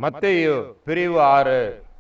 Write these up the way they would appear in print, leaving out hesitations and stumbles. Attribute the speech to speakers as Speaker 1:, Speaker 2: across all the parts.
Speaker 1: மத்தேயு பிரிவு 6.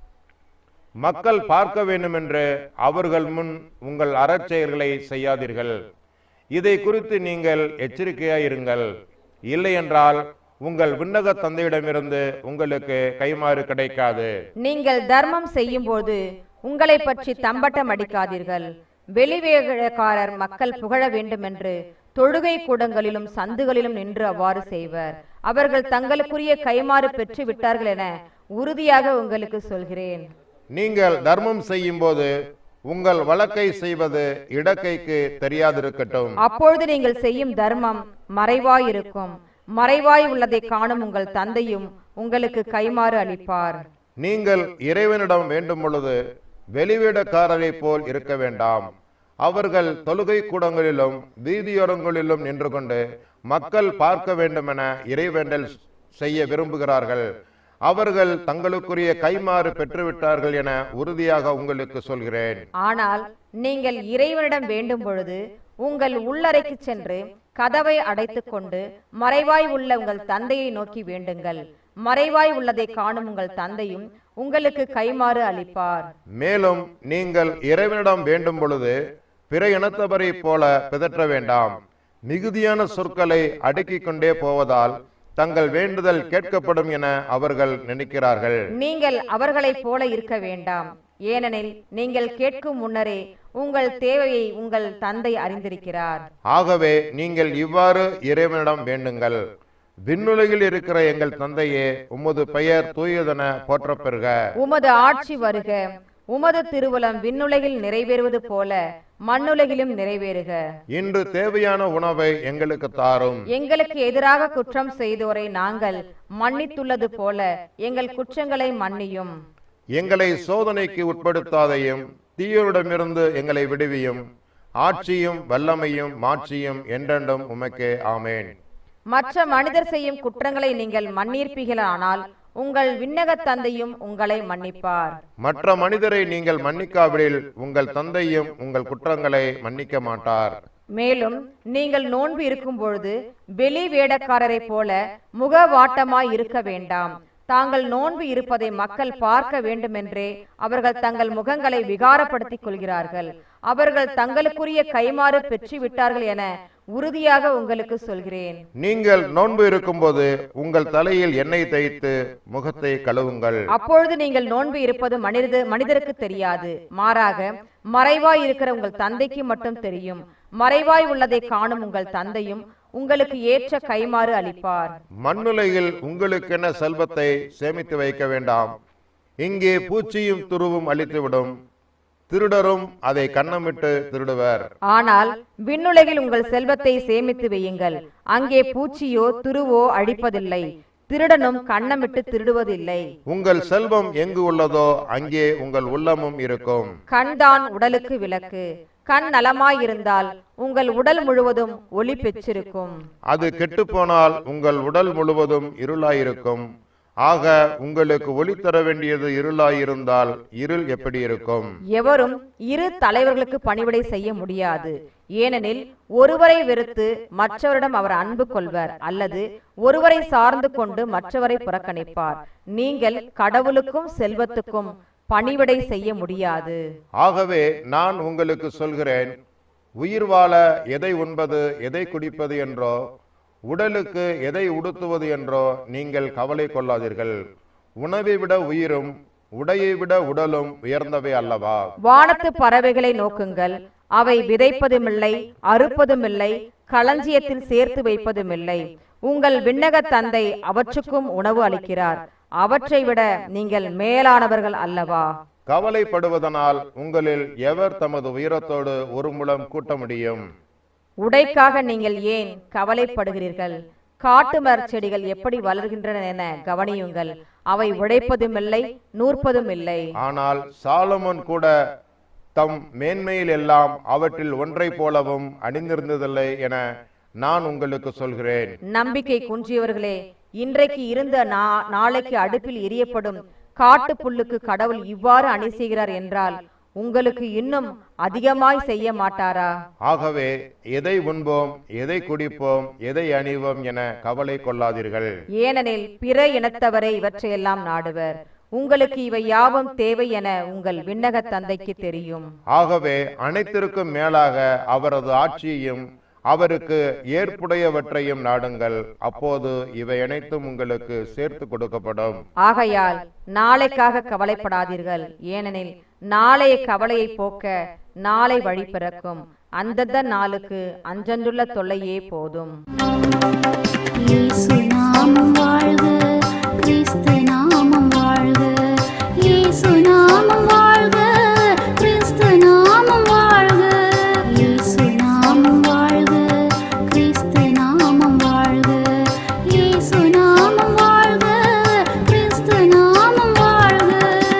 Speaker 1: மக்கள் பார்க்க வேண்டுமென்று அவர்கள் முன் உங்கள் அறச்செயல்களை செய்யாதீர்கள். இதை குறித்து நீங்கள் எச்சரிக்கையாயிருங்கள். இல்லையென்றால் உங்கள் விண்ணக தந்தையிடமிருந்து உங்களுக்கு கைமாறு கிடைக்காது.
Speaker 2: நீங்கள் தர்மம் செய்யும் போது உங்களை பற்றி தம்பட்டம் அடிக்காதீர்கள். வெளிவேடக்காரர் மக்கள் புகழ வேண்டுமென்று தொழுகை கூடங்களிலும் சந்துகளிலும் நின்று அவ்வாறு செய்வர். அவர்கள் தங்களுக்குரிய கைமாறு பெற்று விட்டார்கள் என உறுதியாக உங்களுக்கு சொல்கிறேன்.
Speaker 1: நீங்கள் தர்மம் செய்யும் போது உங்கள் வழக்கை செய்வது இடக்கைக்கு தெரியாதிருக்கட்டும்.
Speaker 2: அப்பொழுது நீங்கள் செய்யும் தர்மம் மறைவாயிருக்கும். மறைவாய் உள்ளதை காணும் உங்கள் தந்தையும் உங்களுக்கு கைமாறு அளிப்பார்.
Speaker 1: நீங்கள் இறைவனிடம் வேண்டும் பொழுது வெளிவேடக்காரரை போல் இருக்க வேண்டாம். அவர்கள் தொழுகை கூடங்களிலும் வீதியோரங்களிலும் நின்று கொண்டு மக்கள் பார்க்க வேண்டுமென இறைவேண்டல் செய்ய விரும்புகிறார்கள். அவர்கள் தங்களுக்குரிய கைமாறு பெற்றுவிட்டார்கள் என உறுதியாக உங்களுக்கு சொல்கிறேன்.
Speaker 2: ஆனால் நீங்கள் இறைவனிடம் வேண்டும் பொழுது உங்கள் உள்ளறைக்கு சென்று கதவை அடைத்துக் கொண்டு மறைவாய் உள்ள உங்கள் தந்தையை நோக்கி வேண்டுங்கள். மறைவாய் உள்ளதை காணும் உங்கள் தந்தையும் உங்களுக்கு கைமாறு அளிப்பார்.
Speaker 1: மேலும் நீங்கள் இறைவனிடம் வேண்டும் பொழுது பிற இனத்தவரை போல பிதற்ற வேண்டாம். மிகுதியான சொற்களை அடுக்கிக் கொண்டே போவதால் தங்கள் வேண்டுதல் கேட்கப்படும் என அவர்கள் நினைக்கிறார்கள்.
Speaker 2: நீங்கள் அவர்களைப் போல இருக்க வேண்டாம். ஏனெனில் நீங்கள் கேட்கும் முன்னரே உங்கள் தேவையை உங்கள் தந்தை அறிந்திருக்கிறார்.
Speaker 1: ஆகவே நீங்கள் இவ்வாறு இறைவனிடம் வேண்டுங்கள். விண்ணுலகில் இருக்கிற எங்கள் தந்தையே, உமது பெயர் தூயதென போற்றப் பெறுக.
Speaker 2: உமது ஆட்சி வருக. உமது திருவுளம் விண்ணுலகில் நிறைவேறுவது போல மண்ணுலகிலும் நிறைவேறுக.
Speaker 1: இன்று தேவையான உணவை எங்களுக்கு தாரும்.
Speaker 2: எங்களுக்கு எதிராக குற்றம் செய்தோரை நாங்கள் மன்னித்துள்ளது போல எங்கள் குற்றங்களை மன்னியும்.
Speaker 1: எங்களை சோதனைக்கு உட்படுத்தாதையும் தீயோரிடமிருந்து எங்களை விடுவியும். ஆட்சியும் வல்லமையும் மாட்சியும் என்றென்றும் உமக்கே. ஆமேன்.
Speaker 2: மற்ற மனிதர் செய்யும் குற்றங்களை நீங்கள் மன்னிப்பீர்களானால் உங்கள் விண்ணக தந்தையும் உங்களை மன்னிப்பார்.
Speaker 1: மற்ற மனிதரை நீங்கள் மன்னிக்காவிடில் உங்கள் தந்தையும் உங்கள் குற்றங்களை மன்னிக்க மாட்டார்.
Speaker 2: மேலும் நீங்கள் நோன்பு இருக்கும் பொழுது வெளி வேடக்காரரை போல முகவாட்டமாய் இருக்க வேண்டாம். தாங்கள் நோன்பு இருப்பதை மக்கள் பார்க்க வேண்டுமென்றே அவர்கள் தங்கள் முகங்களை விகாரப்படுத்திக் கொள்கிறார்கள். அவர்கள் தங்களுக்குரிய கைமாறு பெற்று விட்டார்கள் என உறுதியாக உங்களுக்கு சொல்கிறேன்.
Speaker 1: நீங்கள் நோன்பு இருக்கும்போது உங்கள் தலையில் எண்ணெய் தேய்த்து முகத்தை கழுவுங்கள்.
Speaker 2: அப்பொழுது நீங்கள் நோன்பு இருப்பது மனிதருக்கு தெரியாது. மாறாக மறைவாய் இருக்கிற உங்கள் தந்தைக்கு மட்டும் தெரியும். மறைவாய் உள்ளதை காணும் உங்கள் தந்தையும் உங்களுக்கு ஏற்ற கைமாறு அளிப்பார்.
Speaker 1: மண்ணுலகில் உங்களுக்கென செல்வத்தை சேமித்து வைக்க வேண்டாம். இங்கே பூச்சியும் துருவும் அழித்துவிடும், திருடரும் அதை கன்னமிட்டு திருடுவர்.
Speaker 2: ஆனால் விண்ணுலகில் உங்கள் செல்வத்தை சேமித்து வையுங்கள். அங்கே பூச்சியோ துருவோ அழிப்பதில்லை, திருடனும் கன்னமிட்டு திருடுவதில்லை.
Speaker 1: உங்கள் செல்வம் எங்கு உள்ளதோ அங்கே உங்கள் உள்ளமும் இருக்கும்.
Speaker 2: கண்தான் உடலுக்கு விளக்கு. கண் நலமாயிருந்தால் உங்கள் உடல் முழுவதும் ஒளி பெற்றிருக்கும்.
Speaker 1: அது கெட்டுப்போனால் உங்கள் உடல் முழுவதும் இருளாயிருக்கும். ஆக உங்களுக்கு ஒளி தர வேண்டியது இருளாயிருந்தால் இருள் எப்படி இருக்கும்?
Speaker 2: எவரும் இரு தலைவர்களுக்கு பணிவிடை செய்ய முடியாது. ஏனெனில் ஒருவரை வெறுத்து மற்றவரிடம் அவர் அன்பு கொள்வர், அல்லது ஒருவரை சார்ந்து கொண்டு மற்றவரை புறக்கணிப்பார். நீங்கள் கடவுளுக்கும் செல்வத்துக்கும் பணிவிடை செய்ய முடியாது.
Speaker 1: ஆகவே நான் உங்களுக்கு சொல்கிறேன், உயிர் வாழ எதை உண்பது எதை குடிப்பது என்றோ உடலுக்கு எதை உடுத்துவது என்றோ நீங்கள் கவலை கொள்ளாதீர்கள். உணவை விட உயிரும் உடையை விட உடலும் உயர்ந்தவை அல்லவா?
Speaker 2: வானத்து பறவைகளை நோக்குங்கள். அவை விதைப்பதுமில்லை, அறுப்பதுமில்லை, களஞ்சியத்தில் சேர்த்து வைப்பதுமில்லை. உங்கள் விண்ணக தந்தை அவற்றுக்கும் உணவு அளிக்கிறார். அவற்றை விட நீங்கள் மேலானவர்கள் அல்லவா?
Speaker 1: கவலைப்படுவதனால் உங்களில் எவர் தமது உயரத்தோடு ஒரு முழம் கூட்ட முடியும்?
Speaker 2: உடைக்காக நீங்கள் ஏன் கவலைப்படுகிறீர்கள்? காட்டு மரச் செடிகள் எப்படி வளர்கின்றன என கவனியுங்கள். அவை உடைப்பதுமில்லை, நூற்பதும் இல்லை.
Speaker 1: ஆனால் சாலமோன் கூட தம் மேன்மையில் எல்லாம் அவற்றில் ஒன்றை போலவும் அணிந்திருந்ததில்லை என நான் உங்களுக்கு சொல்கிறேன்.
Speaker 2: நம்பிக்கை குன்றியவர்களே, இன்றைக்கு இருந்த நாளைக்கு அடுப்பில் எரியப்படும் காட்டு புல்லுக்கு கடவுள் இவ்வாறு அணி செய்கிறார் என்றால் உங்களுக்கு இன்னும் அதிகமாய் செய்ய மாட்டாரா?
Speaker 1: ஆகவே எதை உண்போம், எதை குடிப்போம், எதை அணிவோம் என கவலை கொள்ளாதீர்கள்.
Speaker 2: ஏனெனில் பிற இனத்தவரே இவற்றையெல்லாம் நாடுவர். உங்களுக்கு இவை யாவும் தேவை என உங்கள் விண்ணக தந்தைக்கு தெரியும்.
Speaker 1: ஆகவே அனைத்திற்கும் மேலாக அவரது ஆட்சியையும் அவருக்கு ஏற்புடையவற்றையும் நாடுங்கள். அப்போது இவை அனைத்தும் உங்களுக்கு சேர்த்து கொடுக்கப்படும்.
Speaker 2: ஆகையால் நாளைக்காக கவலைப்படாதீர்கள். ஏனெனில் நாளைய கவலையை போக்க நாளை வழி பிறக்கும். அந்தந்த நாளுக்கு அன்றன்றுள்ள தொல்லையே போதும்.
Speaker 3: இயேசு நாமம் வாழ்க, கிறிஸ்து நாமம் வாழ்க. இயேசு நாமம் வாழ்க, கிறிஸ்து நாமம் வாழ்க. இயேசு நாமம் வாழ்க, கிறிஸ்து நாமம் வாழ்க. இயேசு நாமம் வாழ்க, கிறிஸ்து நாமம் வாழ்க.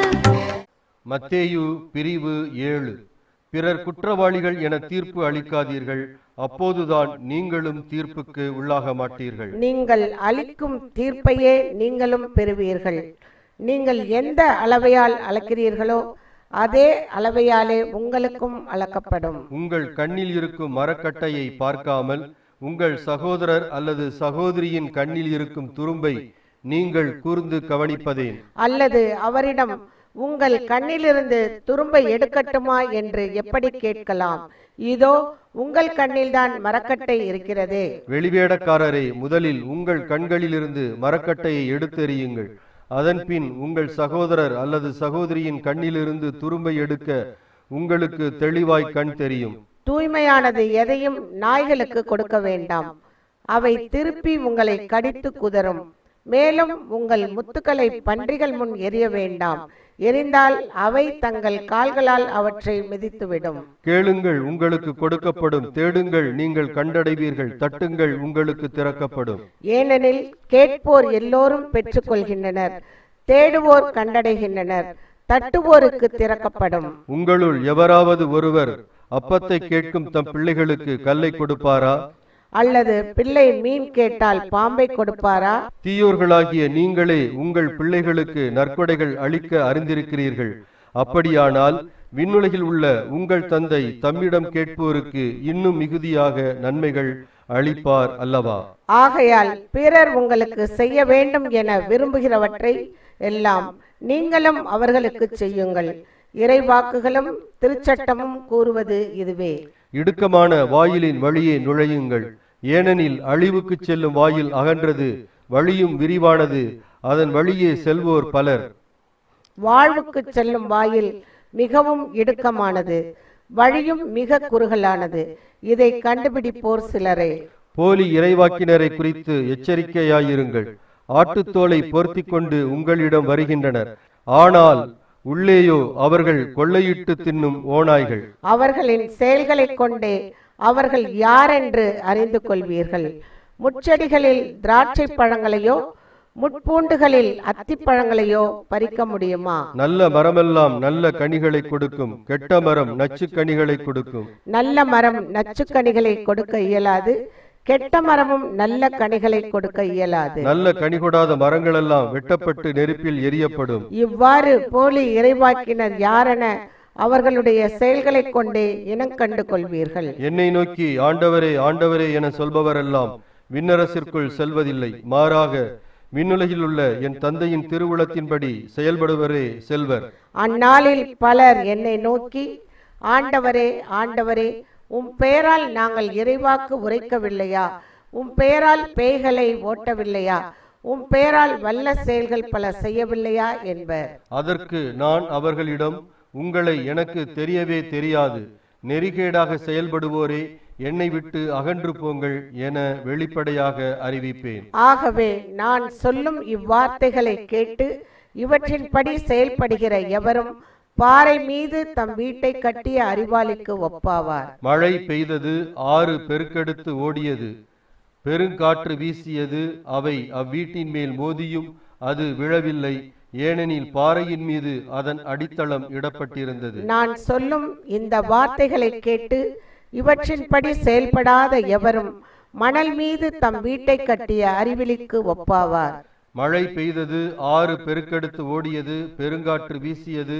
Speaker 4: மத்தேயு பிரிவு 7. பிறர் குற்றவாளிகள் என தீர்ப்பு அளிக்காதீர்கள், அப்போதுதான் நீங்களும் தீர்ப்புக்கு உள்ளாக மாட்டீர்கள்.
Speaker 5: நீங்கள் அளிக்கும் தீர்ப்பையே நீங்களும் பெறுவீர்கள். நீங்கள் எந்த அளவையால் அளக்கிறீர்களோ அதே அளவையாலே உங்களுக்கும் அளக்கப்படும்.
Speaker 4: உங்கள் கண்ணில் இருக்கும் மரக்கட்டையை பார்க்காமல் உங்கள் சகோதரர் அல்லது சகோதரியின் கண்ணில் இருக்கும் துரும்பை நீங்கள் கூர்ந்து கவனிப்பதேன்?
Speaker 5: அல்லது அவரிடம் உங்கள் கண்ணிலிருந்து துரும்பை எடுக்கட்டுமா என்று எப்படி கேட்கலாம்? இதோ உங்கள் கண்ணில்தான் மரக்கட்டை இருக்கிறதே.
Speaker 4: வெளிவேடக்காரரே, முதலில் உங்கள் கண்களிலிருந்து மரக்கட்டையை எடுத்தெறியுங்கள். அதன்பின் உங்கள் சகோதரர் அல்லது சகோதரியின் கண்ணிலிருந்து துரும்பை எடுக்க உங்களுக்கு தெளிவாய் கண் தெரியும்.
Speaker 5: தூய்மையானது எதையும் நாய்களுக்கு கொடுக்க வேண்டாம், அவை திருப்பி உங்களை கடித்து குதறும். மேலும் உங்கள் முத்துக்களை பன்றிகள் முன் எறிய வேண்டாம், எரிந்தால் அவை தங்கள் கால்களால் அவற்றை மிதித்துவிடும்.
Speaker 4: கேளுங்கள், உங்களுக்கு கொடுக்கப்படும். தேடுங்கள், நீங்கள் கண்டடைவீர்கள். தட்டுங்கள், உங்களுக்கு திறக்கப்படும்.
Speaker 5: ஏனெனில் கேட்போர் எல்லோரும் பெற்றுக்கொள்கின்றனர், தேடுவோர் கண்டடைகின்றனர், தட்டுவோருக்கு திறக்கப்படும்.
Speaker 4: உங்களுள் எவராவது ஒருவர் அப்பத்தை கேட்கும் தம் பிள்ளைகளுக்கு கல்லை கொடுப்பாரா?
Speaker 5: அல்லது பிள்ளை மீன் கேட்டால் பாம்பை கொடுப்பாரா?
Speaker 4: தீயோர்களாகிய நீங்களே உங்கள் பிள்ளைகளுக்கு நற்கொடைகள் அளிக்க அறிந்திருக்கிறீர்கள். அப்படியானால் விண்ணுலகில் உள்ள உங்கள் தந்தை தம்மிடம் கேட்போருக்கு இன்னும் மிகுதியாக நன்மைகள் அளிப்பார் அல்லவா?
Speaker 5: ஆகையால் பிறர் உங்களுக்கு செய்ய வேண்டும் என விரும்புகிறவற்றை எல்லாம் நீங்களும் அவர்களுக்கு செய்யுங்கள். இறைவாக்குகளும் திருச்சட்டமும் கூறுவது இதுவே.
Speaker 4: இடுக்கமான வாயிலின் வழியே நுழையுங்கள், ஏனெனில் அழிவுக்கு செல்லும் வாயில் அகன்றது, வழியும் விரிவானது, அதன் வழியே செல்வோர் பலர்.
Speaker 5: வாழ்வுக்கு செல்லும் வாயில் மிகவும் இடுக்கமானது, வழியும் மிக குறுகலானது, இதை கண்டுபிடிப்போர் சிலரே.
Speaker 4: போலி இறைவாக்கினரை குறித்து எச்சரிக்கையாயிருங்கள். ஆட்டுத்தோலை பொருத்தி கொண்டு உங்களிடம் வருகின்றனர், ஆனால் உள்ளேயோ அவர்கள் கொள்ளையிட்டு தின்னும் ஓநாய்கள்.
Speaker 5: அவர்களின் செயல்களை கொண்டே அவர்கள் யாரென்று அறிந்து கொள்வீர்கள். முட்செடிகளில் திராட்சை பழங்களையோ முட்பூண்டுகளில் அத்திப்பழங்களையோ பறிக்க முடியுமா?
Speaker 4: நல்ல மரமெல்லாம் நல்ல கனிகளை கொடுக்கும், கெட்ட மரம் நச்சு கனிகளை கொடுக்கும்.
Speaker 5: நல்ல மரம் நச்சு கனிகளை கொடுக்க இயலாது, கெட்ட மரமும் நல்ல கனிகளை கொடுக்க இயலாது.
Speaker 4: நல்ல கனி கொடாத மரங்களெல்லாம் வெட்டப்பட்டு நெருப்பில் எரியப்படும்.
Speaker 5: இவ்வாறு போலி இறைவாக்கினர் யாரென அவர்களுடைய செயல்களை கொண்டே இனங்கண்டு கொள்வீர்கள்.
Speaker 4: என்னை நோக்கி ஆண்டவரே ஆண்டவரே என சொல்பவரெல்லாம் விண்ணரசிற்குள் செல்வதில்லை, மாறாக விண்ணுலகில் உள்ள என் தந்தையின் திருவுளத்தின்படி செயல்படுவரே செல்வர்.
Speaker 5: அந்நாளில் பலர் என்னை நோக்கி, ஆண்டவரே ஆண்டவரே, உம் பெயரால் நாங்கள் இறைவாக்கு உரைக்கவில்லையா? உம் பெயரால் பேய்களை ஓட்டவில்லையா? உம் பெயரால் வல்ல செயல்கள் பல செய்யவில்லையா என்பர்.
Speaker 4: அதற்கு நான் அவர்களிடம், உங்களை எனக்கு தெரியவே தெரியாது, நெறிகேடாக செயல்படுவோரே என்னை விட்டு அகன்று போங்கள் என வெளிப்படையாக அறிவிப்பேன்.
Speaker 5: ஆகவே நான் சொல்லும் இவ்வார்த்தைகளை கேட்டு இவற்றின்படி செயல்படுகிற எவரும் பாறை மீது தம் வீட்டை கட்டிய அறிவாளிக்கு ஒப்பாவார்.
Speaker 4: மழை பெய்தது, ஆறு பெருக்கெடுத்து ஓடியது, பெருங்காற்று வீசியது, அவை அவ்வீட்டின் மேல் மோதியும் அது விழவில்லை, ஏனெனில் பாறையின் மீது அதன் அடித்தளம் இடப்பட்டிருந்தது.
Speaker 5: நான் சொல்லும் இந்த வார்த்தைகளை கேட்டு இவற்றின்படி செயல்படாத எவரும் மணல் மீது தம் வீட்டை கட்டிய அறிவிலிக்கு ஒப்பாவார்.
Speaker 4: மழை பெய்தது, ஆறு பெருக்கெடுத்து ஓடியது, பெருங்காற்று வீசியது,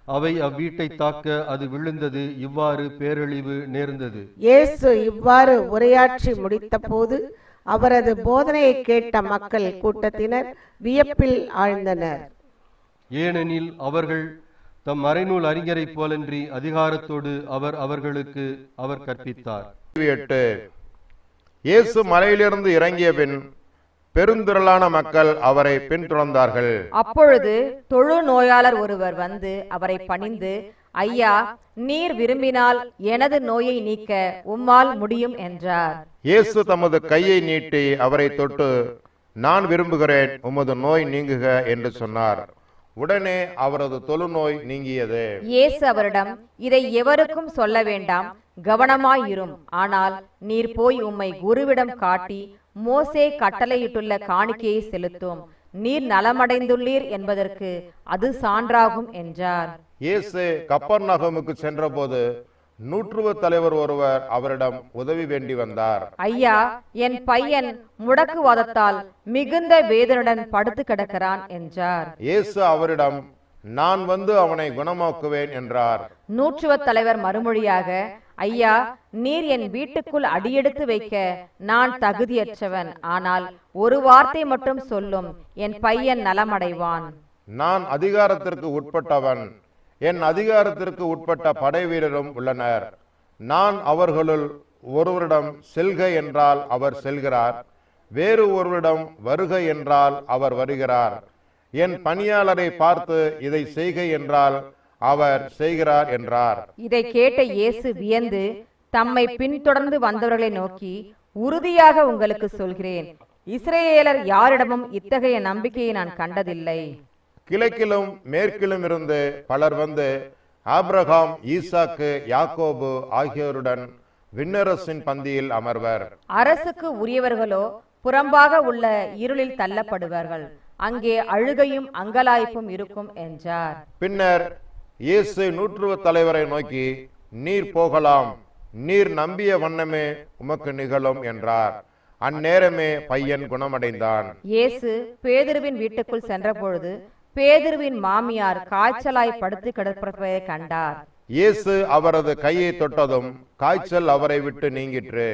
Speaker 4: அவை அவ்வீட்டை தாக்க அது விழுந்தது. இவ்வாறு பேரழிவு நேர்ந்தது.
Speaker 5: இயேசு இவ்வாறு உரையாற்றி முடித்தபோது அவரது போதனையை கேட்ட மக்கள் கூட்டத்தினர் வியப்பில் ஆழ்ந்தனர்.
Speaker 4: ஏனெனில் அவர்கள் தம் மறைநூல் அறிஞரைப் போலன்றி அதிகாரத்தோடு அவர்களுக்கு கற்பித்தார்.
Speaker 1: 8. இயேசு மலையிலிருந்து இறங்கிய பின் பெருந்திரளான மக்கள் அவரை பின்தொடர்ந்தார்கள்.
Speaker 2: அப்பொழுது தொழு நோயாளர் ஒருவர் வந்து அவரை பணிந்து, ஐயா, நீர் விரும்பினால் எனது நோயை நீக்க உம்மால் முடியும் என்றார்.
Speaker 1: இயேசு தமது கையை நீட்டி அவரை தொட்டு, நான் விரும்புகிறேன், உமது நோய் நீங்குக என்று சொன்னார். உடனே அவரது தொழுநோய் நீங்கியது.
Speaker 2: இயேசு அவரிடம், இதை எவருக்கும் சொல்ல வேண்டாம், கவனமாயிரும். ஆனால் நீர் போய் உம்மை குருவிடம் காட்டி மோசே கட்டளையிட்டுள்ள காணிக்கையை செலுத்தும். நீர் நலமடைந்துள்ளீர் என்பதற்கு அது சான்றாகும் என்றார்.
Speaker 1: இயேசு கப்பர்நகமுக்கு சென்றபோது நூற்றுவ தலைவர் ஒருவர் அவரிடம் உதவி வேண்டி வந்தார்.
Speaker 2: ஐயா, என் பையன் முடக்குவாதத்தால் மிகுந்த வேதனுடன் படுத்து கிடக்கிறான் என்றார்.
Speaker 1: இயேசு அவரிடம், நான் வந்து அவனை குணமாக்குவேன் என்றார்.
Speaker 2: நூற்றுவ தலைவர் மறுமொழியாக, ஐயா, நீர் என் வீட்டுக்குள் அடியெடுத்து வைக்க நான் தகுதியற்றவன். ஆனால் ஒரு வார்த்தை மட்டும் சொல்லும், என் பையன் நலமடைவான்.
Speaker 1: நான் அதிகாரத்திற்கு உட்பட்டவன், என் அதிகாரத்திற்கு உட்பட்ட படை வீரரும் உள்ளனர். நான் அவர்களுள் ஒருவரிடம் செல்க என்றால் அவர் செல்கிறார், வேறு ஒருவரிடம் வருக என்றால் அவர் வருகிறார். என் பணியாளரை பார்த்து இதை செய்க என்றால் அவர் செய்கிறார் என்றார்.
Speaker 2: இதை கேட்ட இயேசு வியந்து தம்மை பின்தொடர்ந்து வந்தவர்களை நோக்கி, உறுதியாக உங்களுக்கு சொல்கிறேன், இஸ்ரவேலர் யாரிடமும் இத்தகைய நம்பிக்கையை நான் கண்டதில்லை.
Speaker 1: கிழக்கிலும் மேற்கிலும் இருந்து பலர் வந்து ஆபிரகாம், ஈசாக்கு, யாக்கோபு ஆகியோருடன் விண்ணரசின் பந்தியில் அமர்வர்.
Speaker 2: அரசுக்கு உரியவர்களோ புறம்பாக உள்ள இருளில் தள்ளப்படுவார்கள். அங்கே அழுகையும் அங்கலாய்ப்பும் இருக்கும் என்றார்.
Speaker 1: பின்னர் இயேசு நூற்றுவ தலைவரை நோக்கி, நீர் போகலாம், நீர் நம்பிய வண்ணமே உமக்கு நிகழும் என்றார். அந்நேரமே பையன் குணமடைந்தான்.
Speaker 2: இயேசு பேதுருவின் வீட்டுக்குள் சென்றபொழுது பேதுருவின் மாமியார் காய்ச்சலாய் படுத்து கிடப்பதை கண்டார்.
Speaker 1: இயேசு அவரது கையை தொட்டதும் காய்ச்சல் அவரை விட்டு நீங்கிற்று.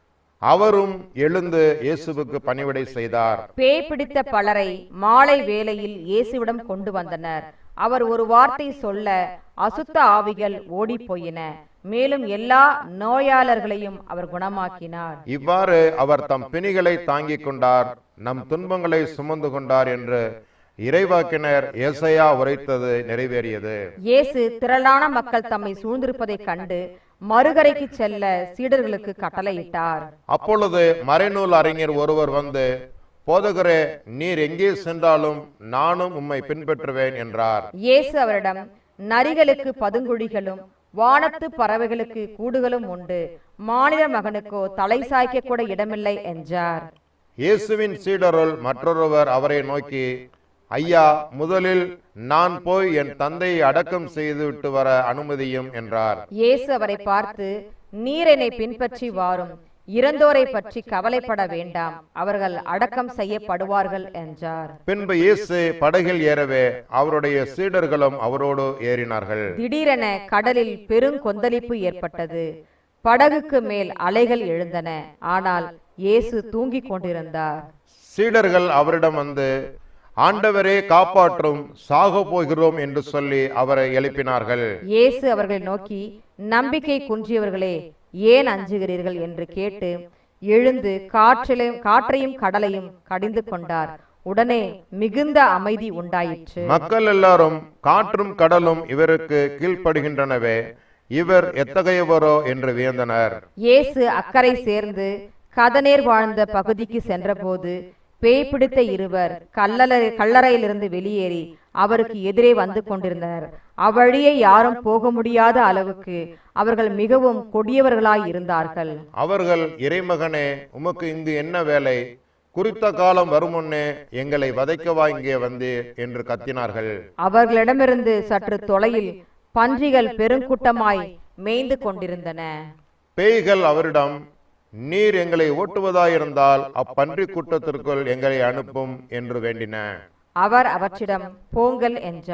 Speaker 1: அவரும் எழுந்து இயேசுவுக்கு பணிவிடை செய்தார்.
Speaker 2: பேய் பிடித்த பலரை மாலை வேளையில் இயேசுவிடம் கொண்டு வந்தனர். அவர் ஒரு வார்த்தை சொல்ல அசுத்த ஆவிகள் ஓடி போயின. மேலும் எல்லா நோயாளர்களையும் அவர் குணமாக்கினார்.
Speaker 1: இவ்வாறு அவர் தம் பிணிகளை தாங்கிக் கொண்டார், நம் துன்பங்களை சுமந்து கொண்டார் என்று இறைவாக்கினர் ஏசாயா உரைத்தது நிறைவேறியது.
Speaker 2: இயேசு திரளான மக்கள் தம்மை சூழ்ந்திருப்பதை கண்டு மறுகரைக்கு செல்ல சீடர்களுக்கு கட்டளையிட்டார்.
Speaker 1: அப்பொழுது மறைநூல் அறிஞர் ஒருவர் வந்து, போதகரே, நீர் எங்கே சென்றாலும் நானும் உம்மை பின்பற்றுவேன் என்றார்.
Speaker 2: இயேசு அவரிடம், நரிகளுக்கு பதுங்குழிகளும் வானத்து பறவைகளுக்கு கூடுகளும் உண்டு, மானிட மகனுக்கோ தலை சாய்க்க கூட இடமில்லை என்றார்.
Speaker 1: இயேசுவின் சீடருள் மற்றொருவர் அவரை நோக்கி, ஐயா, முதலில் நான் போய் என் தந்தையை அடக்கம் செய்து விட்டு வர அனுமதியும் என்றார்.
Speaker 2: இயேசு அவரை பார்த்து, நீர் என்னை பின்பற்றி வாரும், இறந்தோரை பற்றி கவலைப்பட வேண்டாம், அவர்கள் அடக்கம் செய்யப்படுவார்கள் என்றார்.
Speaker 1: பின்பு இயேசு படகில் ஏறவே அவருடைய சீடர்களும் அவரோடு ஏறினார்கள்.
Speaker 2: திடீரென கடலில் பெருங்கொந்தளிப்பு ஏற்பட்டது. படகுக்கு மேல் அலைகள் எழுந்தன. ஆனால் இயேசு தூங்கிக் கொண்டிருந்தார்.
Speaker 1: சீடர்கள் அவரிடம் வந்து, ஆண்டவரே காப்பாற்றும், சாக போகிறோம் என்று சொல்லி அவரை எழுப்பினார்கள்.
Speaker 2: இயேசு அவர்களை நோக்கி, நம்பிக்கை குன்றியவர்களே, ஏன் அஞ்சுகிறீர்கள் என்று கேட்டு எழுந்து காற்றையும் கடலையும் கடிந்து கொண்டார். உடனே மிகுந்த அமைதி உண்டாயிற்று.
Speaker 1: மக்கள் எல்லாரும் காற்றும் கடலும் இவருக்கு கீழ்ப்படுகின்றனவே, இவர் எத்தகையவரோ என்று வியந்தனர்.
Speaker 2: இயேசு அக்கறை சேர்ந்து கதநேர் வாழ்ந்த பகுதிக்கு சென்றபோது பேய் பிடித்த இருவர் கல்லறையிலிருந்து வெளியேறி அவருக்கு எதிரே வந்து கொண்டிருந்தனர். அவ்வழியே யாரும் போக முடியாத அளவுக்கு அவர்கள் மிகவும் கொடியவர்களாய் இருந்தார்கள்.
Speaker 1: அவர்கள், இறைமகனே, உமக்கு இங்கு என்ன வேலை? குறித்த காலம் வரும் முன்னே எங்களை வதைக்கவா இங்கே வந்தீர் என்று கத்தினார்கள்.
Speaker 2: அவர்களிடமிருந்து சற்று தொலையில் பன்றிகள் பெருங்கூட்டமாய் மேய்ந்து கொண்டிருந்தன.
Speaker 1: பேய்கள் அவரிடம், நீர் எங்களை ஓட்டுவதாயிருந்தால் அப்பன்றி கூட்டத்திற்குள் எங்களை அனுப்பும் என்று வேண்டின.
Speaker 2: அவர் அவற்றிடம் போங்கள் என்றார்.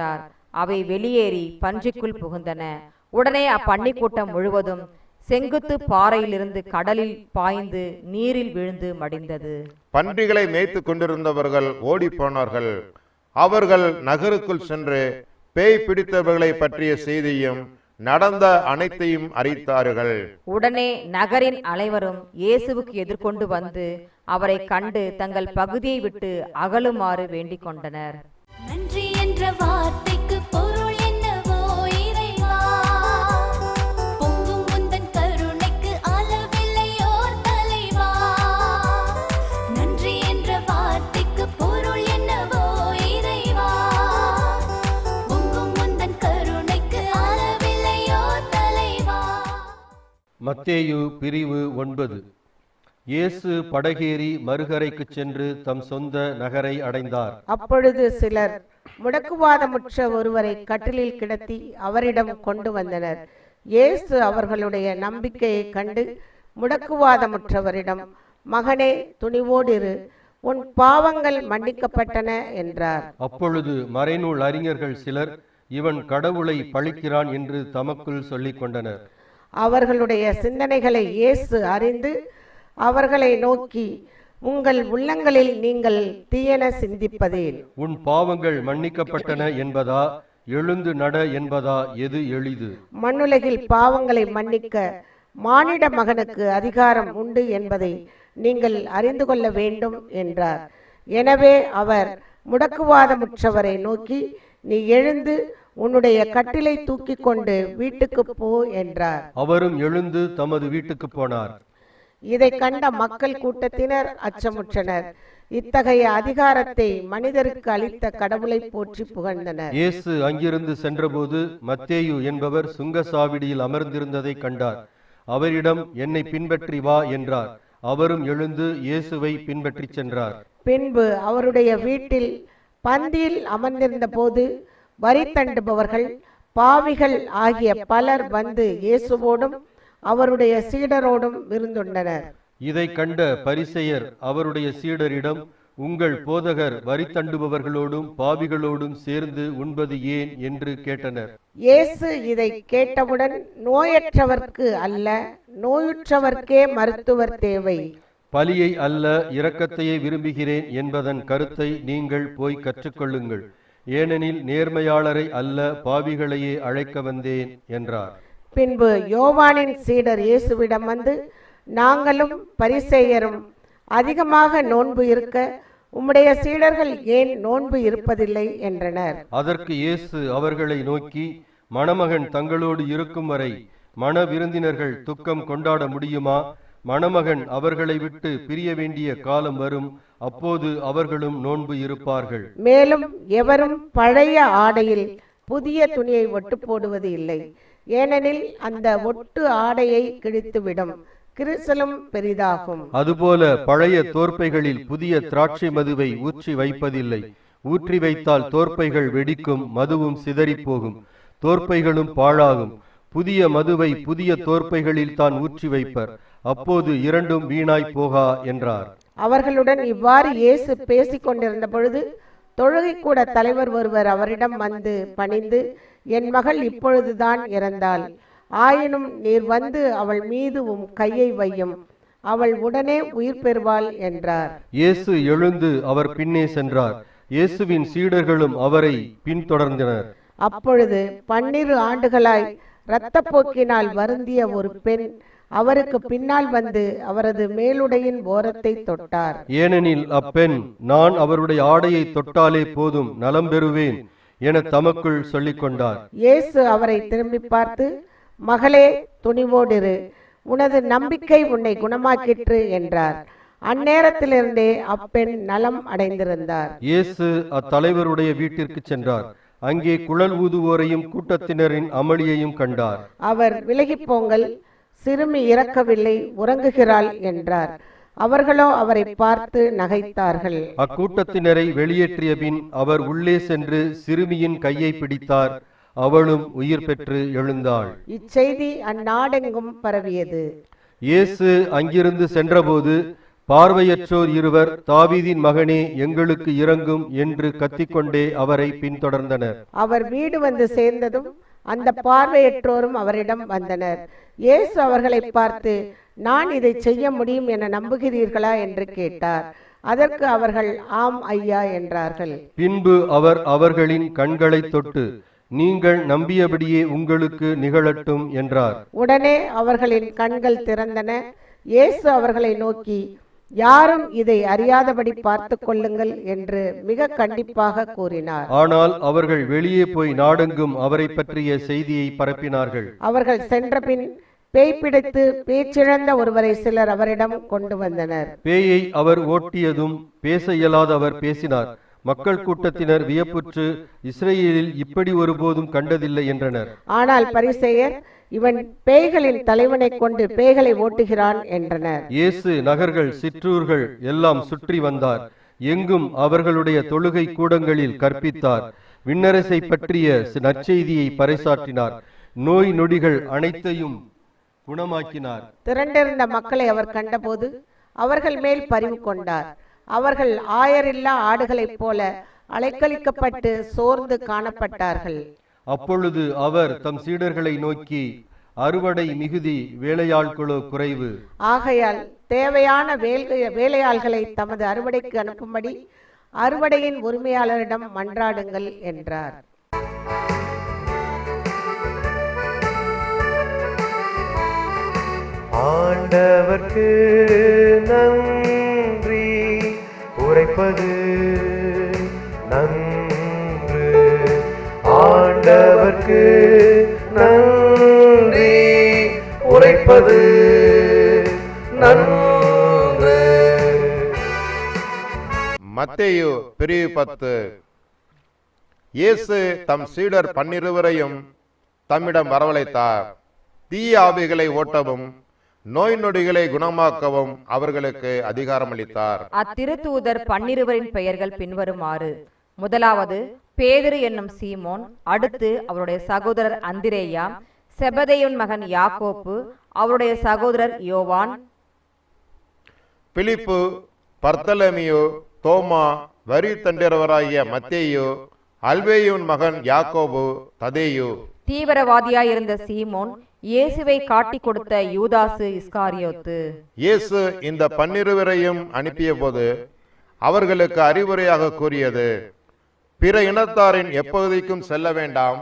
Speaker 2: அவை வெளியேறி பன்றிக்குள் புகுந்தன. உடனே அப்பன்னிக் கூட்டம் முழுவதும் செங்குத்து பாறையிலிருந்து கடலில் பாய்ந்து நீரில் விழுந்து மடிந்தது.
Speaker 1: பன்றிகளை மேய்த்து கொண்டிருந்தவர்கள் ஓடி போனார்கள். அவர்கள் நகருக்குள் சென்று பேய் பிடித்தவர்களை பற்றிய செய்தியும் நடந்த அனைத்தையும் அறித்தார்கள்.
Speaker 2: உடனே நகரின் அனைவரும் இயேசுவுக்கு எதிர்கொண்டு வந்து அவரை கண்டு தங்கள் பகுதியை விட்டு அகலுமாறு வேண்டிக் கொண்டனர்.
Speaker 3: நன்றி என்ற வார்த்தைக்கு பொருள் என்னவோ இறைவா, பொங்கும் உந்தன் கருணைக்கு அளவில்லையோர் தலைவா. நன்றி என்ற வார்த்தைக்கு பொருள் என்னவோ இறைவா, பொங்கும் உந்தன் கருணைக்கு அளவில்லையோர் தலைவா.
Speaker 4: மத்தேயு பிரிவு 9. இயேசு படகேறி மறுகரைக்கு சென்று தம் சொந்த நகரை அடைந்தார்.
Speaker 5: அப்பொழுது சிலர் முடக்குவாதமுற்ற ஒருவரை கட்டிலில் கிடத்தி அவரிடம் கொண்டு வந்தனர். இயேசு அவர்களுடைய நம்பிக்கையை கண்டு முடக்குவாதமுற்றவரிடம், மகனே, துணிவோடிரு, உன் பாவங்கள் மன்னிக்கப்பட்டன என்றார்.
Speaker 4: அப்பொழுது மறைநூல் அறிஞர்கள் சிலர், இவன் கடவுளை பழிக்கிறான் என்று தமக்குள் சொல்லிக் கொண்டனர்.
Speaker 5: அவர்களுடைய சிந்தனைகளை இயேசு அறிந்து அவர்களை நோக்கி, உங்கள் உள்ளங்களில் நீங்கள் தீயன சிந்திப்பதேன்?
Speaker 4: உன் பாவங்கள் மன்னிக்கப்பட்டன என்பதா, எழுந்து நட என்பதா, எது எளிது?
Speaker 5: மண்ணுலகில் பாவங்களை மன்னிக்க மானிட மகனுக்கு அதிகாரம் உண்டு என்பதை நீங்கள் அறிந்து கொள்ள வேண்டும் என்றார். எனவே அவர் முடக்குவாதமுற்றவரை நோக்கி, நீ எழுந்து உன்னுடைய கட்டிலை தூக்கி கொண்டு வீட்டுக்கு போ என்றார்.
Speaker 4: அவரும் எழுந்து தமது வீட்டுக்கு போனார்.
Speaker 5: இதை கண்ட மக்கள் கூட்டத்தினர் அச்சமுற்றனர். இத்தகைய அதிகாரத்தை மனிதருக்கு அளித்த கடவுளை போற்றி புகழ்ந்தனர்.
Speaker 4: இயேசு அங்கிருந்து சென்றபோது மத்தேயு என்பவர் சுங்கசாவடியில் அமர்ந்திருந்ததை கண்டார். அவரிடம், என்னை பின்பற்றி வா என்றார். அவரும் எழுந்து இயேசுவை பின்பற்றி சென்றார்.
Speaker 5: பின்பு அவருடைய வீட்டில் பந்தியில் அமர்ந்திருந்த போது வரி தண்டுபவர்கள், பாவிகள் ஆகிய பலர் வந்து இயேசுவோடும் அவருடைய சீடரோடும் விருந்துண்டனர்.
Speaker 4: இதை கண்ட பரிசேயர் அவருடைய சீடரிடம், உங்கள் போதகர் வரி தண்டுபவர்களோடும் பாவிகளோடும் சேர்ந்து உண்பது ஏன் என்று கேட்டனர்.
Speaker 5: இயேசு இதை கேட்டவுடன், நோயற்றவர்க்கு அல்ல, நோயுற்றவர்க்கே மருத்துவர் தேவை.
Speaker 4: பலியை அல்ல, இரக்கத்தையே விரும்புகிறேன் என்பதன் கருத்தை நீங்கள் போய் கற்றுக்கொள்ளுங்கள். ஏனெனில் நேர்மையாளரை அல்ல, பாவிகளையே அழைக்க வந்தேன் என்றார்.
Speaker 5: பின்பு யோவானின் சீடர் இயேசுவிடம் வந்து, நாங்களும் பரிசேயரும் அதிகமாக நோன்பு இருக்க உம்முடைய சீடர்கள் ஏன் நோன்பு இருப்பதில்லை என்றனர்.
Speaker 4: அதற்கு இயேசு அவர்களை நோக்கி, மணமகன் தங்களோடு இருக்கும் வரை மண விருந்தினர்கள் துக்கம் கொண்டாட முடியுமா? மணமகன் அவர்களை விட்டு பிரிய வேண்டிய காலம் வரும், அப்போது அவர்களும் நோன்பு இருப்பார்கள்.
Speaker 5: மேலும் எவரும் பழைய ஆடையில் புதிய துணியை ஒட்டு போடுவது இல்லை. ஏனெனில் அந்த ஒட்டு ஆடையை கிழித்துவிடும், கிரிசலும் பெரிதாகும்.
Speaker 4: அதுபோல பழைய தோற்பைகளில் புதிய திராட்சை மதுவை ஊற்றி வைப்பதில்லை. ஊற்றி வைத்தால் தோற்பைகள் வெடிக்கும், மதுவும் சிதறி போகும், தோற்பைகளும் பாழாகும். புதிய மதுவை புதிய தோற்பைகளில் தான் ஊற்றி வைப்பர், அப்போது இரண்டும் வீணாய் போகா என்றார்.
Speaker 5: அவர்களுடன் இவ்வாறு இயேசு பேசிக் கொண்டிருந்த பொழுது தொழுகை கூட தலைவர் ஒருவர் அவரிடம் வந்து பணிந்து, என் மகள் இப்பொழுதுதான் இறந்தாள், ஆயினும் நீர் வந்து அவள் மீது உம் கையை வையும், அவள் உடனே உயிர் பெறுவாள் என்றார்.
Speaker 4: இயேசு எழுந்து அவர் பின்னே சென்றார். இயேசுவின் சீடர்களும் அவரை பின்தொடர்ந்தனர்.
Speaker 5: அப்பொழுது 12 ஆண்டுகளாய் இரத்தப்போக்கினால் வருந்திய ஒரு பெண் அவருக்கு பின்னால் வந்து அவரது மேலுடையின் ஓரத்தை தொட்டார்.
Speaker 4: ஏனெனில் அப்பெண், நான் அவருடைய ஆடையை தொட்டாலே போதும், நலம் பெறுவேன் என தமக்குள் சொல்லிக் கொண்டார்.
Speaker 5: இயேசு அவரை திரும்பி பார்த்து, மகளே, துணிவோடிரு, உனது நம்பிக்கை உன்னை குணமாக்கிற்று என்றார். அந்நேரத்திலிருந்தே அப்பெண் நலம் அடைந்திருந்தார்.
Speaker 4: இயேசு அத்தலைவருடைய வீட்டிற்கு சென்றார். அங்கே குழல் ஊதுவோரையும் கூட்டத்தினரின் அமளியையும் கண்டார்.
Speaker 5: அவர், விலகிப் போங்கள், சிறுமி இறக்கவில்லை, உறங்குகிறாள் என்றார். அவர்களோ அவரை பார்த்து நகைத்தார்கள்.
Speaker 4: அக்கூட்டத்தினரை வெளியேற்றிய பின் அவர் உள்ளே சென்று சிறுமியின் கையை பிடித்தார். அவளும் உயிர் பெற்று எழுந்தாள்.
Speaker 5: இச்செய்தி அந்நாடெங்கும் பரவியது.
Speaker 4: இயேசு அங்கிருந்து சென்றபோது பார்வையற்றோர் இருவர், தாவீதின் மகனே எங்களுக்கு இரங்கும் என்று கத்திக்கொண்டே அவரை பின்தொடர்ந்தனர்.
Speaker 5: அவர் வீடு வந்து சேர்ந்ததும் அந்த பார்வையற்றோரும் அவரிடம் வந்தனர். இயேசு அவர்களை பார்த்து, நான் இதை செய்ய முடியும் என நம்புகிறீர்களா என்று கேட்டார். அதற்கு அவர்கள், ஆம் ஐயா என்றார்கள்.
Speaker 4: பின்பு அவர் அவர்களின் கண்களை தொட்டு, நீங்கள் நம்பியபடியே உங்களுக்கு நிகழட்டும் என்றார்.
Speaker 5: உடனே அவர்களின் கண்கள் திறந்தன. இயேசு அவர்களை நோக்கி, யாரும் இதை அறியாதபடி பார்த்து கொள்ளுங்கள் என்று மிக கண்டிப்பாக கூறினார்.
Speaker 4: ஆனால் அவர்கள் வெளியே போய் நாடெங்கும் அவரை பற்றிய செய்தியை பரப்பினார்கள்.
Speaker 5: அவர்கள் சென்றபின் பேய் பிடித்து பேச்சிழந்த ஒருவரை சிலர் அவரிடம் கொண்டு வந்தனர்.
Speaker 4: பேயை அவர் ஓட்டியதும் பேச இயலாத அவர் பேசினார். மக்கள் கூட்டத்தினர் வியப்புற்று, இஸ்ரேலில் இப்படி ஒருபோதும் கண்டதில்லை என்றனர்.
Speaker 5: ஆனால் பரிசேயர், இவன் பேய்களின் தலைவனை கொண்டு பேய்களை ஓட்டுகிறான் என்றனர்.
Speaker 4: இயேசு நகர்கள் சிற்றூர்கள் எல்லாம் சுற்றி வந்தார். எங்கும் அவர்களுடைய தொழுகை கூடங்களில் கற்பித்தார். விண்ணரசை பற்றிய நற்செய்தியை பறைசாற்றினார். நோய் நொடிகள் அனைத்தையும் குணமாக்கினார்.
Speaker 5: திரண்டிருந்த மக்களை அவர் கண்டபோது அவர்கள் மேல் பரிவு கொண்டார். அவர்கள் ஆயரில்லா ஆடுகளைப் போல அலைக்கழிக்கப்பட்டு சோர்ந்து காணப்பட்டார்கள்.
Speaker 4: அப்பொழுது அவர் தம் சீடர்களை நோக்கி, அறுவடை மிகுதி, வேலையாட்களோ குறைவு.
Speaker 5: ஆகையால் தேவையான வேலையாள்களை தமது அறுவடைக்கு அனுப்பும்படி அறுவடையின் உரிமையாளரிடம் மன்றாடுங்கள் என்றார்.
Speaker 6: ஆண்டவர்க்கு நன்றி உரைப்பது நன்று. ஆண்டவர்க்கு நன்றி உரைப்பது நன்று.
Speaker 1: மத்தேயு பிரிவு 10. இயேசு தம் சீடர் 12 தம்மிடம் வரவழைத்தார். தீய ஆவிகளை ஓட்டவும் நோய் நொடிகளை குணமாக்கவும் அவர்களுக்கு அதிகாரம் அளித்தார்.
Speaker 2: அத்திருத்தூதர் 12 பெயர்கள் பின்வருமாறு: முதலாவது பேதுரு என்னும் சீமோன், அடுத்து அவருடைய சகோதரர் அந்திரேயா, செபதேயுன் மகன் யாக்கோப்பு, அவருடைய சகோதரர் யோவான்,
Speaker 1: பிலிப்பு, பர்த்தலமியு, தோமா, வரி தண்டிரவராகிய மத்தேயு, அல்வேயுன் மகன் யாக்கோபு, ததேயு,
Speaker 2: தீவிரவாதியாயிருந்த சீமோன், இயேசுவை காட்டிக் கொடுத்த யூதாசு இஸ்காரியோத்து.
Speaker 1: இயேசு இந்த 12 அனுப்பிய போது அவர்களுக்கு அறிவுரையாக கூறியது, பிற இனத்தாரின் எப்பகுதிக்கும் செல்ல வேண்டாம்,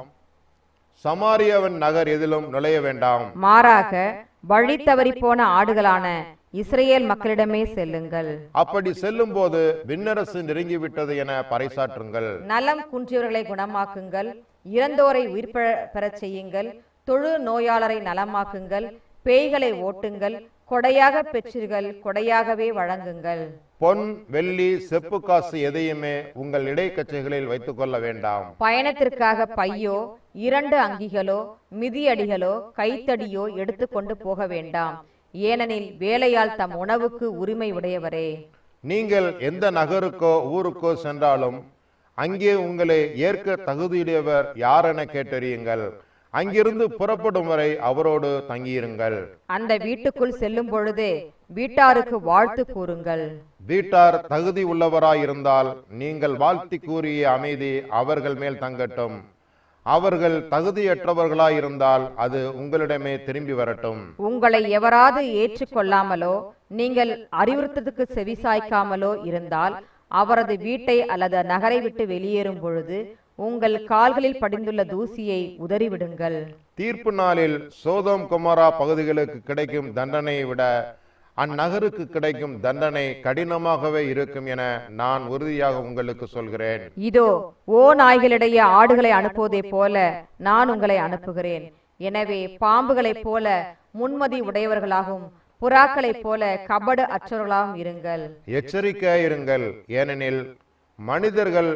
Speaker 1: சமாரியாவின் நகர் எதிலும் நுழைய வேண்டாம்.
Speaker 2: மாறாக வழி தவறி போன ஆடுகளான இஸ்ரேல் மக்களிடமே செல்லுங்கள்.
Speaker 1: அப்படி செல்லும் போது விண்ணரசு நெருங்கிவிட்டது என பறைசாற்றுங்கள்.
Speaker 2: நலம் குன்றியவர்களை குணமாக்குங்கள், இறந்தோரை உயிர் பெறச் செய்யுங்கள், தொழு நோயாளரை நலமாக்குங்கள், பேய்களை ஓட்டுங்கள், கொடையாக பெற்றீர்கள், கொடையாகவே வழங்குங்கள்.
Speaker 1: பொன், வெள்ளி, செப்பு காசு எதையுமே உங்கள் இடைக்கச்சைகளில் வைத்துக் கொள்ள வேண்டாம்.
Speaker 2: பயணத்திற்காக பையோ, 2 அங்கிகளோ, மிதியடிகளோ, கைத்தடியோ எடுத்துக்கொண்டு போக வேண்டாம். ஏனெனில் வேலையால் தம் உணவுக்கு உரிமை உடையவரே.
Speaker 1: நீங்கள் எந்த நகருக்கோ ஊருக்கோ சென்றாலும் அங்கே உங்களை ஏற்க தகுதியுடையவர் யாரென கேட்டறியுங்கள். அங்கிருந்து புறப்படும் வரை அவரோடு தங்கியிருங்கள்.
Speaker 2: அந்த வீட்டுக்குள் செல்லும் பொழுதே வீட்டாருக்கு வாழ்த்து கூறுங்கள்.
Speaker 1: வீட்டார் தகுதி உள்ளவராயிருந்தால் நீங்கள் வாழ்த்தி கூறிய அமைதி அவர்கள் மேல் தங்கட்டும். அவர்கள் தகுதியற்றவர்களாயிருந்தால் அது உங்களிடமே திரும்பி வரட்டும்.
Speaker 2: உங்களை எவராது ஏற்றுக்கொள்ளாமலோ நீங்கள் அறிவுறுத்தத்துக்கு செவிசாய்க்காமலோ இருந்தால் அவரது வீட்டை அல்லது நகரை விட்டு வெளியேறும் பொழுது உங்கள் கால்களில் படிந்துள்ள தூசியை உதறிவிடுங்கள்.
Speaker 1: தீர்ப்பு நாளில் சோதோம் கொமோரா பகுதிகளுக்கு கிடைக்கும் தண்டனையை விட அந்நகருக்கு கிடைக்கும் தண்டனை கடினமாகவே இருக்கும் என நான் உறுதியாக உங்களுக்கு சொல்கிறேன்.
Speaker 2: இதோ நாய்களிடையே ஆடுகளை அனுப்புவதை போல நான் உங்களை அனுப்புகிறேன். எனவே பாம்புகளைப் போல முன்மதி உடையவர்களாகவும் புறாக்களைப் போல கபடு அற்றவர்களாகவும் இருங்கள்.
Speaker 1: எச்சரிக்கையாயிருங்கள். ஏனெனில் மனிதர்கள்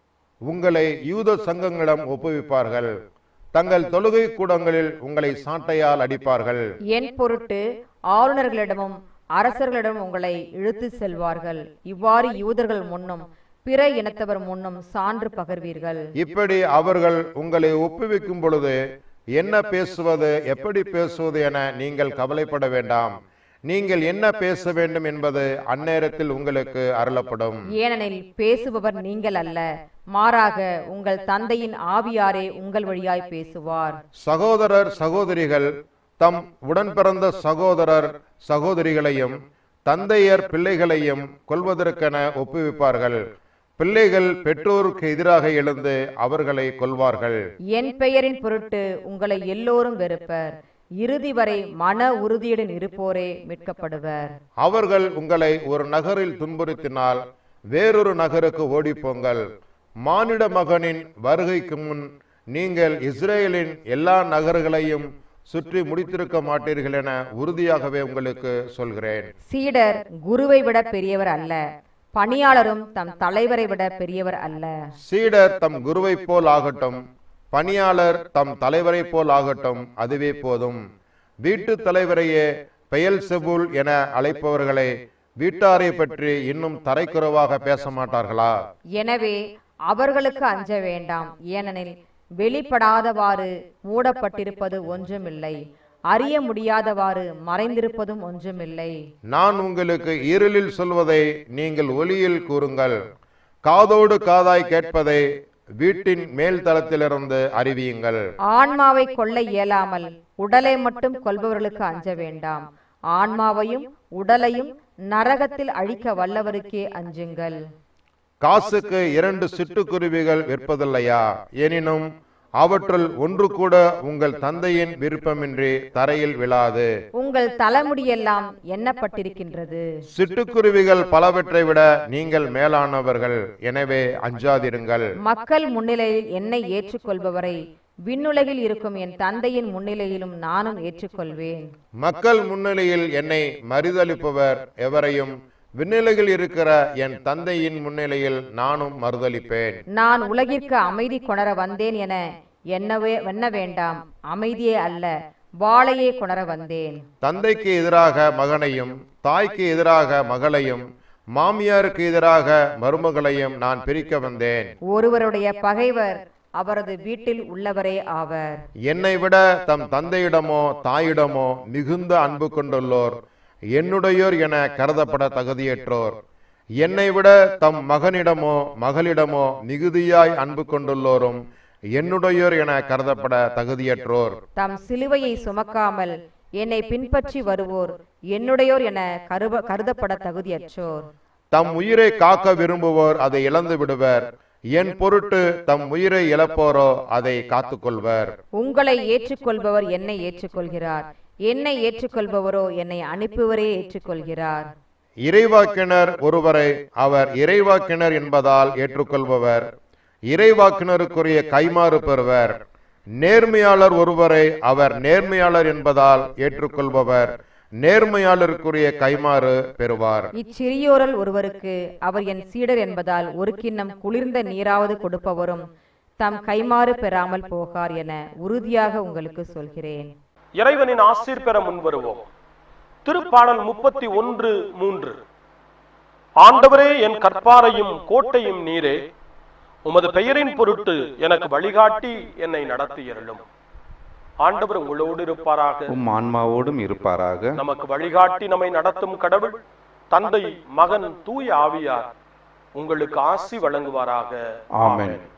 Speaker 1: உங்களை யூத சங்கங்களிடம் ஒப்புவிப்பார்கள். தங்கள் தொழுகை கூடங்களில் உங்களை சாட்டையால் அடிப்பார்கள்.
Speaker 2: என் பொருட்டு ஆளுநர்களிடமும் அரசர்களிடம் உங்களை இழுத்து செல்வார்கள். இவ்வாறு யூதர்கள் முன்னும் பிற இனத்தவர் முன்னும் சான்று பகர்வீர்கள்.
Speaker 1: இப்படி அவர்கள் உங்களை ஒப்புவிக்கும் பொழுது என்ன பேசுவது, எப்படி பேசுவது என நீங்கள் கவலைப்பட வேண்டாம். நீங்கள் என்ன பேச வேண்டும் என்பது அந்நேரத்தில் உங்களுக்கு அருளப்படும்.
Speaker 2: ஏனெனில் பேசுபவர் நீங்கள் அல்ல, மாறாக உங்கள் தந்தையின் ஆவியாரே உங்கள் வழியாய் பேசுவார்.
Speaker 1: சகோதரர் சகோதரிகள் தம் உடன் பிறந்த சகோதரர் சகோதரிகளையும் தந்தையர் பிள்ளைகளையும் கொல்வதற்கென ஒப்புவிப்பார்கள். பிள்ளைகள் பெற்றோருக்கு எதிராக எழுந்து அவர்களை கொல்வார்கள்.
Speaker 2: என் பெயரின் பொருட்டு உங்களை எல்லோரும் வெறுப்பர். இறுதி வரை மன உறுதியுடன் இருப்போரே மீட்கப்படுவர்.
Speaker 1: அவர்கள் உங்களை ஒரு நகரில் துன்புறுத்தினால் வேறொரு நகருக்கு ஓடிப்போங்கள். மானிட மகனின் வருகைக்கு முன் நீங்கள் இஸ்ரேலின் எல்லா நகர்களையும் சுற்றி முடித்திருக்க மாட்டீர்கள் என உறுதியாகவே உங்களுக்கு சொல்கிறேன்.
Speaker 2: சீடர் குருவை விட பெரியவர் அல்ல, பணியாளரும் தம் தலைவரை விட பெரியவர் அல்ல.
Speaker 1: சீடர் தம் குருவை போல் ஆகட்டும், பணியாளர் தம் தலைவரை போல் ஆகட்டும், அதுவே போதும். வீட்டு தலைவரையே பெயல்செபூல் என அழைப்பவர்களை வீட்டாரை பற்றி இன்னும் தரைக்குறைவாக பேச மாட்டார்களா?
Speaker 2: எனவே அவர்களுக்கு அஞ்ச வேண்டாம். ஏனெனில் வெளிப்படாதவாறு மூடப்பட்டிருப்பது ஒன்றுமில்லை, அறிய முடியாதவாறு மறைந்திருப்பதும் ஒன்றுமில்லை.
Speaker 1: நான் உங்களுக்கு இருளில் சொல்வதை நீங்கள் ஒளியில் கூறுங்கள், காதோடு காதாய் கேட்பதை வீட்டின் மேல் தளத்திலிருந்து அறிவியுங்கள்.
Speaker 2: ஆன்மாவை கொல்ல இயலாமல் உடலை மட்டும் கொல்பவர்களுக்கு அஞ்ச வேண்டாம். ஆன்மாவையும் உடலையும் நரகத்தில் அழிக்க வல்லவருக்கே அஞ்சுங்கள்.
Speaker 1: காசுக்கு 2 சிட்டுக்குருவிகள் விற்பதில்லையா? எனினும் அவற்றுள் ஒன்று கூட உங்கள் தந்தையின் விருப்பமின்றி தரையில் விழாது.
Speaker 2: உங்கள் தலைமுடியெல்லாம் எண்ணப்பட்டிருக்கின்றது.
Speaker 1: சிட்டுக்குருவிகள் பலவற்றை விட நீங்கள் மேலானவர்கள், எனவே அஞ்சாதிருங்கள்.
Speaker 2: மக்கள் முன்னிலையில் என்னை ஏற்றுக்கொள்பவரை விண்ணுலகில் இருக்கும் என் தந்தையின் முன்னிலையிலும் நானும் ஏற்றுக்கொள்வேன்.
Speaker 1: மக்கள் முன்னிலையில் என்னை மறுதலிப்பவர் எவரையும் விண்ணுலகில் இருக்கிற என் தந்தையின் முன்னிலையில் நானும் மறுதலிப்பேன்.
Speaker 2: நான் உலகிற்கு அமைதி கொணர வந்தேன் என எண்ண வேண்டாம். அமைதியே அல்ல, வாளையே கொணர வந்தேன்.
Speaker 1: தந்தைக்கு எதிராக மகனையும் தாய்க்கு எதிராக மகளையும் மாமியாருக்கு எதிராக மருமகளையும் நான் பிரிக்க வந்தேன்.
Speaker 2: ஒருவருடைய பகைவர் அவரது வீட்டில் உள்ளவரே ஆவர்.
Speaker 1: என்னை விட தம் தந்தையிடமோ தாயிடமோ மிகுந்த அன்பு கொண்டுள்ளோர் என்னுடையோர் என கருதப்பட தகுதியற்றோர். என்னை விட தம் மகனிடமோ மகளிடமோ மிகுதியாய் அன்பு கொண்டுள்ளோரும் என்னுடையோர் என கருதப்பட தகுதியற்றோர்.
Speaker 2: தம் சிலுவையை சுமக்காமல் என்னை பின்பற்றி வருவோர் என்னுடையோர் என கருதப்பட தகுதியற்றோர்.
Speaker 1: தம் உயிரை காக்க விரும்புவோர் அதை இழந்து விடுவர். என் பொருட்டு தம் உயிரை இழப்போரோ அதை காத்துக்கொள்வர்.
Speaker 2: உங்களை ஏற்றுக்கொள்பவர் என்னை ஏற்றுக்கொள்கிறார், என்னை ஏற்றுக்கொள்பவரோ என்னை அனுப்புவரே ஏற்றுக்கொள்கிறார்.
Speaker 1: இறைவாக்கினர் ஒருவரை அவர் இறைவாக்கினர் என்பதால் ஏற்றுக்கொள்பவர் இறைவாக்கினருக்குரிய கைமாறு பெறுவர். நேர்மையாளர் ஒருவரை அவர் நேர்மையாளர் என்பதால் ஏற்றுக்கொள்பவர் நேர்மையாளருக்குரிய கைமாறு பெறுவார்.
Speaker 2: இச்சிறியோரில் ஒருவருக்கு அவர் என் சீடர் என்பதால் ஒரு கிண்ணம் குளிர்ந்த நீராவது கொடுப்பவரும் தம் கைமாறு பெறாமல் போகார் என உறுதியாக உங்களுக்கு சொல்கிறேன்.
Speaker 7: இறைவனின் ஆசீர் பெற முன்வருவோம். திருப்பாடல் 31:3. ஆண்டவரே, என் கற்பாரையும் கோட்டையும் நீரே, உமது பெயரின் பொருட்டு எனக்கு வழிகாட்டி என்னை நடத்தியருளும். ஆண்டவர் உங்களோடு இருப்பாராக,
Speaker 8: உம் ஆன்மாவோடும் இருப்பாராக.
Speaker 7: நமக்கு வழிகாட்டி நம்மை நடத்தும் கடவுள் தந்தை, மகன், தூய ஆவியார் உங்களுக்கு ஆசி வழங்குவாராக.
Speaker 8: ஆமென்.